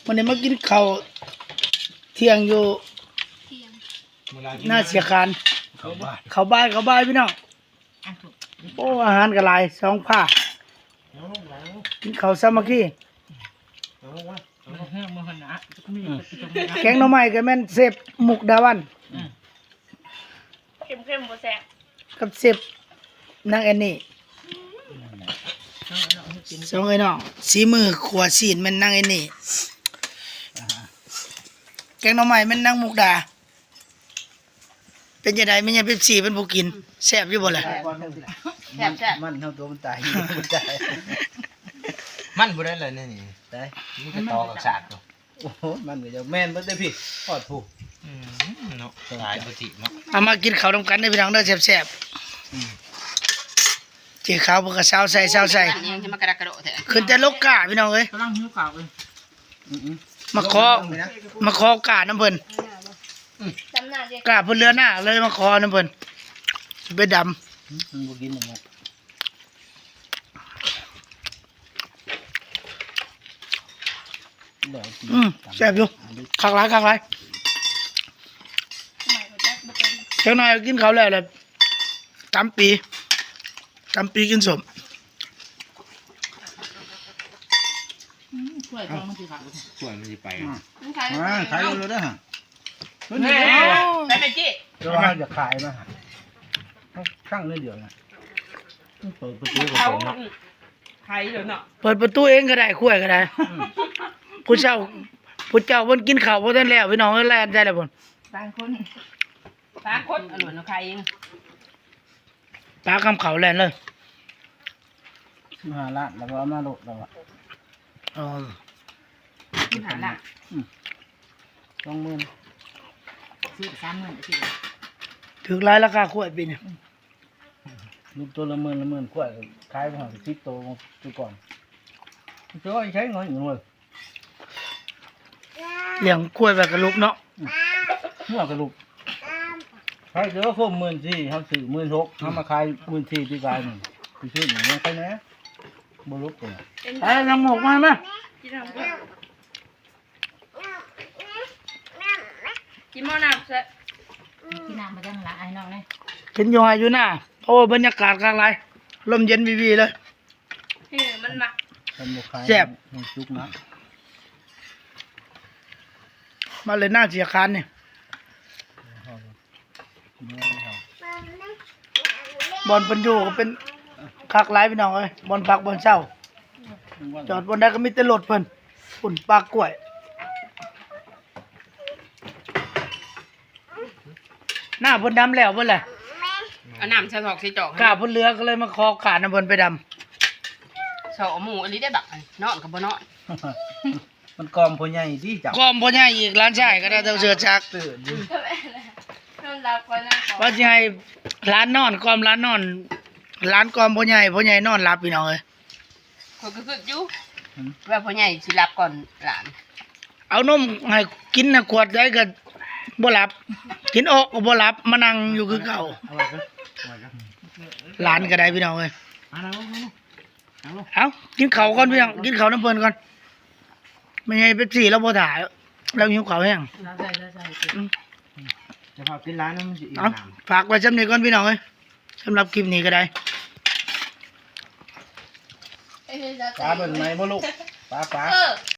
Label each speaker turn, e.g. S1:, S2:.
S1: วันนี้มากินข้าวเที่ยงอยู่หน้าเสียคานข้าวบ่ายพี่น้องโอ้อาหารกระไร2 ผ้ากินข้าวสามัคคีแกงหน่อไม้ก็แม่นเสพมุกดาวัน
S2: เข้มบ่แซ่บ
S1: กับเสพนางแอนนี่สองไอ้น้องสีมือขวดซีนแม่นนางแอนนี่แกงหน่อไม้แม่นนางมุกดาเป็นยังไงไม่ใช่เป๊ปซี่เป็นผู้กินแซ่บอยู่บ่ล่ะ
S2: แซ่บ
S3: มันเท่าตัวมันตายมันตาย
S4: มันบ่ได้เลยนี่ได้มันก็ตอกับสากตัว
S3: โอ้โหมันก็จะแม่นบ่ได้พี่ทอดผู้
S4: เนาะตายบ่ติเนาะ
S1: เอามากินข้าวนำกันได้อพี่น้องเด้อแซ่บๆเจีข้าวเพิ่นก็ซาวใส่
S2: ยังสิมากระดกกระโดดแท้
S1: ขึ้นแต่ลกกาพี่น้องเอ้ย
S4: กำลังหิวข้าวเอ้ย
S1: มาขอกาน้ำเพิ่น
S2: จำหน้าเด้
S1: กาเพิ่นเรือหน้าเลยมาขอน้ำเพิ่นสิไปดำ
S3: มันบ่กินอย่างเงี้ยเดี๋ยวกิน
S1: แซ่บอยู่คักหลายเจ้านายกินข้าวแล้วแหละตำปีกินสม
S4: ช่วยท้องมันสิขาดช่วยมันสิไป
S2: ขาย
S3: ขายเลยนะฮะ
S2: ไปจี้
S3: ก็ว่าจะขายมาฮะข้างเลยเดียวนะเปิดประตูก็
S2: เขา
S3: เปิดเนาะ
S2: ขายเดี๋ยวเนาะ
S1: เปิดประตูเองก็ได้ขั้วก็ได้ผู้เจ้าเพิ่นกินข้าวบ่ทันแล้วพี่น้องเอ้ยแล่นใจแล้วเพิ่น
S2: ต่างคนอร่อยเนาะใครเอง
S1: ปลาคำเขาแล่นเลย
S3: มาละแล้วก็เอามาโลดแล้วอ่ะ
S1: อ๋อ
S2: ที่หาละ
S3: 20,000
S2: ซื้อ30,000สิ
S1: ถึงรายราคาขั้วปีนี่
S3: ลูกตัวละ10,000กว่าขายไปหา10โตตัวก่อนตัวใช้เงินอยู่เลย
S1: เลี้ยงขั้วแบบกระลุกเนาะ
S3: เมื่อกระลูกใครเจอคม14,000เฮาซื้อ16,000เฮามาขาย14,000ที่กายนี่คือชื่ออย่างนี้ใครแน่บ่ลุกตัว
S1: ไปนำหมกมาไหม
S2: กินหม้อน้ำซะ
S5: กินน้ำมาจังละไอ้น้องเลย
S1: กินอยู่ไห้อยู่หน้าเพราะว่าบรรยากาศข้างไรลมเย็นวีเลย
S2: มันมัก
S1: แซ่บ
S3: มันจุกนะ
S1: มาเลยหน้าเสียคานเนี่ยบอลเป็นอยู่ก็เป็นคักไรพี่น้องเอ้ยบอลพักบอลเช้าจอดบนได้ก็มีแต่รถเพิ่นฝุ่นปลากล้วยหน้าเพิ่นดำแล้วเพิ่นแหละ
S2: เอาน้ำใส่ถอกใส่จอก
S1: กาเพิ่นเรือก็เลยมาคอกาดน้ำเพิ่นไปด
S2: เสาหมูอันนี้ได้บักนอนกับบ่นอน
S3: มันกอมพ่อใหญ่ที่จับ
S1: ำก้อมพ่อใหญ่อีกร้านชายก็ได้เท่าเสือชัก
S3: ตื่นอยู่
S2: นอนรับก่อนนะ
S1: ว่าสิให้ร้านนอนก้อมร้านนอนร้านก้อมพ่อใหญ่นอนหลับพี่น้องเอ้ย
S2: คนก็คืออยู่ว่าพ่อใหญ่สิรับก่อนหลาน
S1: เอานมให้กินน่ะขวดได้ก็บ่หลับ กินออกก็บ่หลับมานั่งอยู่คือเก่า
S3: อะไรกันอะไรกัน
S1: หลานก็ได้พี่น้องเอ้ย
S3: เอาแล้ว
S1: เอากินข้าวก่อนพี่น้องกินข้าวน้ำเพิ่นก่อนไม่ให้เป๊ปซี่เราบ่ถ่ายเราหิวข้าวแห้ง
S5: ใส่
S3: จะพากินร้านนั้นมันจะอีก
S1: เอา
S3: น้ำ
S1: ฝากไว้จำนี้ก่อนพี่น้องเอ้ยสำหรับคลิปนี้ก็ได้
S3: ปลาเป็นไงบ่ลูกปลา